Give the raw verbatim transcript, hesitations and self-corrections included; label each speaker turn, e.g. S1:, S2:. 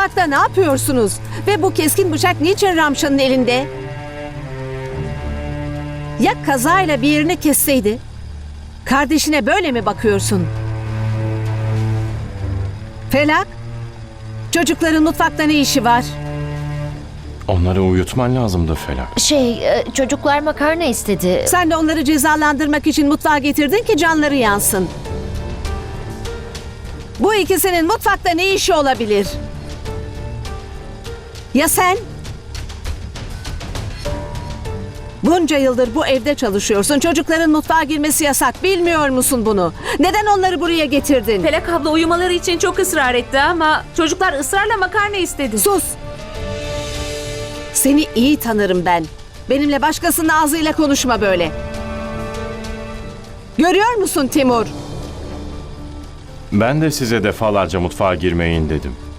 S1: Mutfakta ne yapıyorsunuz? Ve bu keskin bıçak niçin Ramşan'ın elinde? Ya kazayla bir yerini kesseydi? Kardeşine böyle mi bakıyorsun? Felak, çocukların mutfakta ne işi var?
S2: Onları uyutman lazımdı Felak.
S3: Şey, e, çocuklar makarna istedi.
S1: Sen de onları cezalandırmak için mutfağa getirdin ki canları yansın. Bu ikisinin mutfakta ne işi olabilir? Ya sen? Bunca yıldır bu evde çalışıyorsun. Çocukların mutfağa girmesi yasak. Bilmiyor musun bunu? Neden onları buraya getirdin?
S4: Felak abla uyumaları için çok ısrar etti ama çocuklar ısrarla makarna istedi.
S1: Sus! Seni iyi tanırım ben. Benimle başkasının ağzıyla konuşma böyle. Görüyor musun Timur?
S2: Ben de size defalarca mutfağa girmeyin dedim.